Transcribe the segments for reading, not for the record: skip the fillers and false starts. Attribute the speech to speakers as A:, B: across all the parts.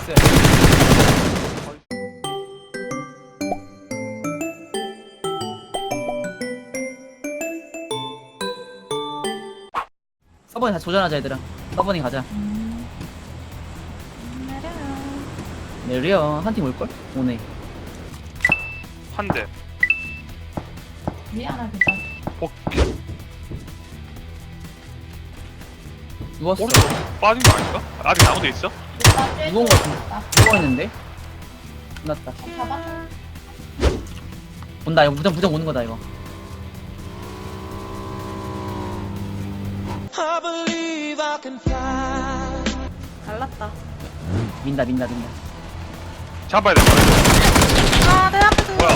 A: 나이스. 서버니 다시 도전하자 얘들아. 서버니 가자. 내려 한 팀 올걸? 오네.
B: 한 대.
C: 미안하다.
B: 오케이.
A: 누웠어.
B: 오른쪽 빠진 거 아닌가? 아직 나무돼 있어?
A: 누운 거 같은데? 누워있는데? 끝났다.
C: 잡아.
A: 온다 이거 무정 오는 거다 이거.
D: 갈랐다.
A: 민다.
B: 잡아야 돼.
D: 아, 내 앞에서.
B: 뭐야?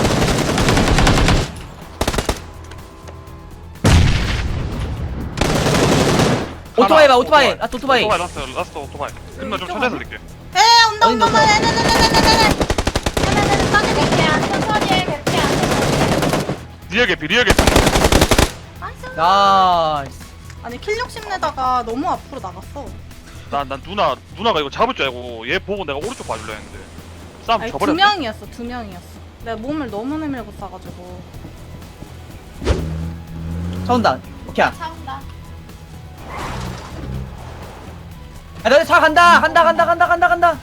A: 오토바이 봐 오토바이. 아 오토바이.
B: 오토바이 라스트 오토바이. 끝나 좀 천천히 살릴게.
D: 에, 온다, 온다, 온다. 네네네네네네네.
C: 천천히 개피 안 천천히 해 개피 안.
B: 리얼 개피 리얼 개피.
A: 나이스.
D: 아니, 킬 욕심내다가 너무 앞으로 나갔어.
B: 난 누나가 이거 잡을 줄 알고 얘 보고 내가 오른쪽 봐줄려 했는데 싸움
D: 아니,
B: 져버렸네.
D: 두 명이었어. 내가 몸을 너무 내밀고 싸가지고.
A: 차 온다. 오케이.
C: 차온다.
A: 야 너네 차 간다. 간다.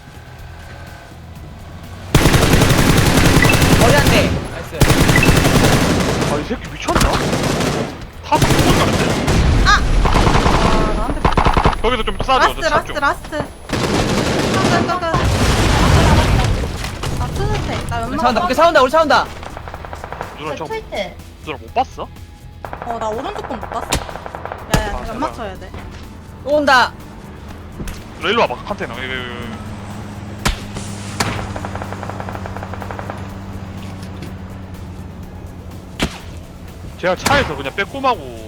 A: 머리 한 대. 나이스.
B: 아 이 새끼 미쳤나? 타서 죽을 가는데?
D: 아, 나한테.
B: 거기서 좀 싸줘.
D: 라스트. 끄. 아, 스스테. 나
A: 우리
D: 연막.
A: 차 온다. 오케이 차 온다. 우리 차 온다.
B: 누나 저
C: 트위트.
B: 누나 못 봤어?
D: 나 오른쪽 건 못 봤어. 야,
B: 아,
D: 연막
B: 제발.
D: 쳐야 돼.
A: 또 온다.
B: 누나 일로 와봐 컨테이너. 이거. 제가 차에서 그냥 빼꼼하고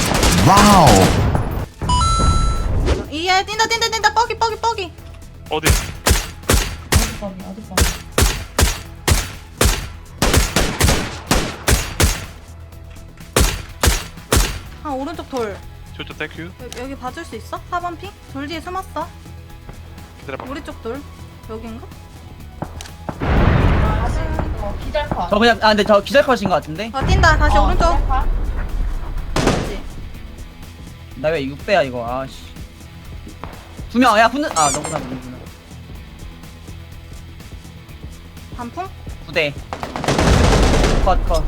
D: 이에 뛴다. 뻐기.
B: 어디?
C: 어디 거?
D: 아, 오른쪽 돌.
B: 저쪽 땡큐.
D: 여기 봐줄 수 있어? 4번 핑? 돌 뒤에 숨었어.
B: 기다려봐.
D: 우리 쪽 돌. 여긴가?
C: 다시 이거 기절컷.
A: 저 그냥 근데 저 기절컷인 것 같은데.
D: 뛴다. 다시 오른쪽.
C: 기절컷.
D: 그렇지.
A: 나 왜 6배야 이거. 아씨. 두 명. 야 붙는. 아 너구나.
D: 반풍?
A: 9대. 컷.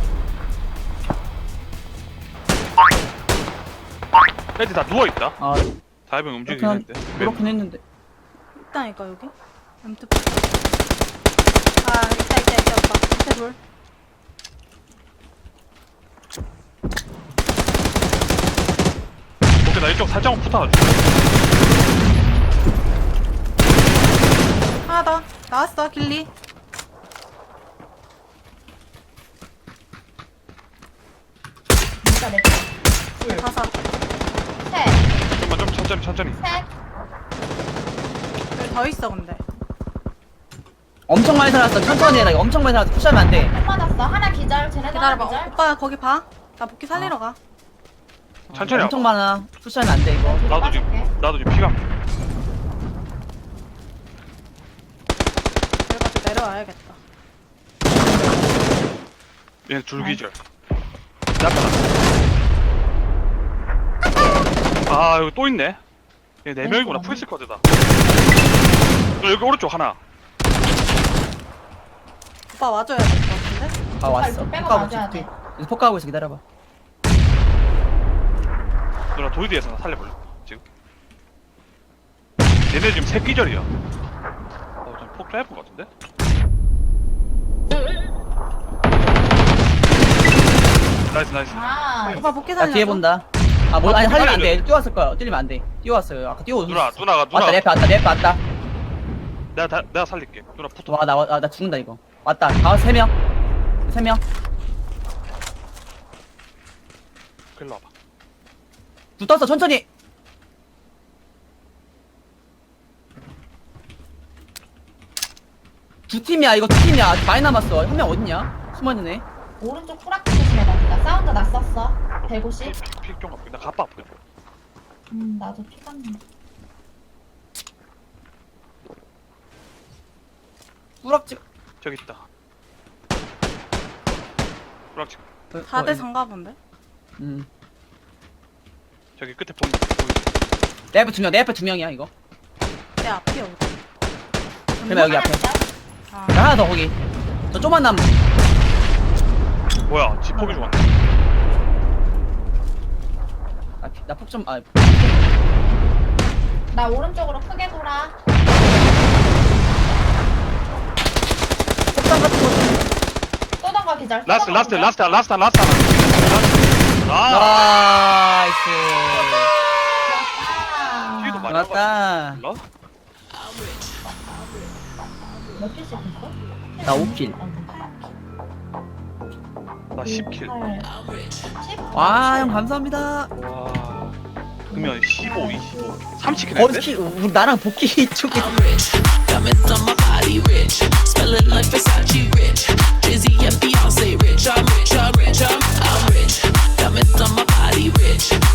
B: 애들 다 누워있다.
A: 아
B: 다이빙 움직이긴 했는데.
A: 그렇긴 했는데.
D: 있다니까 여기. M2. 아, 있다 오빠. 밑에 돌.
B: 오케이 나 이쪽 살짝만 붙어가지고.
D: 하나 더. 나왔어 길리.
C: 진짜 내 거. 둘.
D: 다섯.
C: 셋.
B: 좀만 좀 천천히.
C: 셋.
D: 여기 더 있어 근데.
A: 엄청 많이 살았어. 천천히 해라. 이거 엄청 많이 살았어. 푸시하면 안 돼.
C: 한 맞았어. 하나 기절. 쟤네도
D: 기다려봐.
C: 하나 기절.
D: 오빠 거기 봐. 나 복귀 살리러 가.
B: 천천히
A: 엄청
B: 하고.
A: 많아. 푸시하면 안 돼 이거.
B: 나도 지금 피가.
D: 그래가지고 내려와야겠다.
B: 얘 줄기절. 나타나. 아 여기 또 있네. 얘 4명이구나. 풀스쿼드다. 여기 오른쪽 하나.
D: 오빠 와줘야 될 것 같은데?
A: 아 왔어.
C: 이거 빼고
A: 폭가고
C: 맞아야
A: 있어.
C: 돼.
A: 폭가고 있어. 기다려봐.
B: 누나 도이드에서 나 살려볼래? 지금? 얘네 지금 새끼절이야. 좀폭 짧은 것 같은데? 나이스.
C: 아.
D: 오빠 복귀
A: 나
D: 살려.
A: 뒤에 본다. 아 뭐 아니
B: 아,
A: 살리면 안
B: 살려줘.
A: 돼. 뛰어왔을 거야. 뛰면 안 돼. 뛰어왔어요. 아까 뛰어오고.
B: 누나가
A: 왔다. 내 앞에 왔다.
B: 내가 살릴게. 누나 붙어.
A: 와 나 죽는다 이거. 왔다. 다 3명. 3명.
B: 일로 와봐.
A: 붙었어. 천천히. 두 팀이야. 이거 두 팀이야. 아직 많이 남았어. 한 명 어딨냐? 숨어있는 애.
C: 오른쪽 프락트 조심해봐. 사운드 났었어. 150.
B: 픽좀 갖고 나 가빠 아프게.
C: 나도 피가 나.
A: 뿌락지.
B: 저기 있다. 브락지
D: 4대 3가 본데?
B: 저기 끝에 보인다.
A: 내 앞에 2명, 내 앞에 2명이야 이거.
D: 내 앞이 어디?
A: 그러면 여기 앞에.
D: 아,
A: 자, 하나 더 거기. 저 조만 남.
B: 뭐야? 집 포기 좋았네.
A: 나폭 좀. 아,
C: 나 오른쪽으로 크게 돌아.
A: 폭탄 같은 거.
C: 쏘던가 기절.
B: 라스트. 아.
A: 나이스.
B: 뒤에도 많이
A: 맞다.
B: 몰라?
C: 몇 킬씩 했어?
A: 나 5킬.
B: 나 10킬.
C: 10?
A: 와, 형 감사합니다.
B: 와. 그러면 15, 25, 30킬
A: 거기
B: 했는데?
A: 우리 나랑 복귀 쪽에.
E: I'm rich, diamonds on my body rich.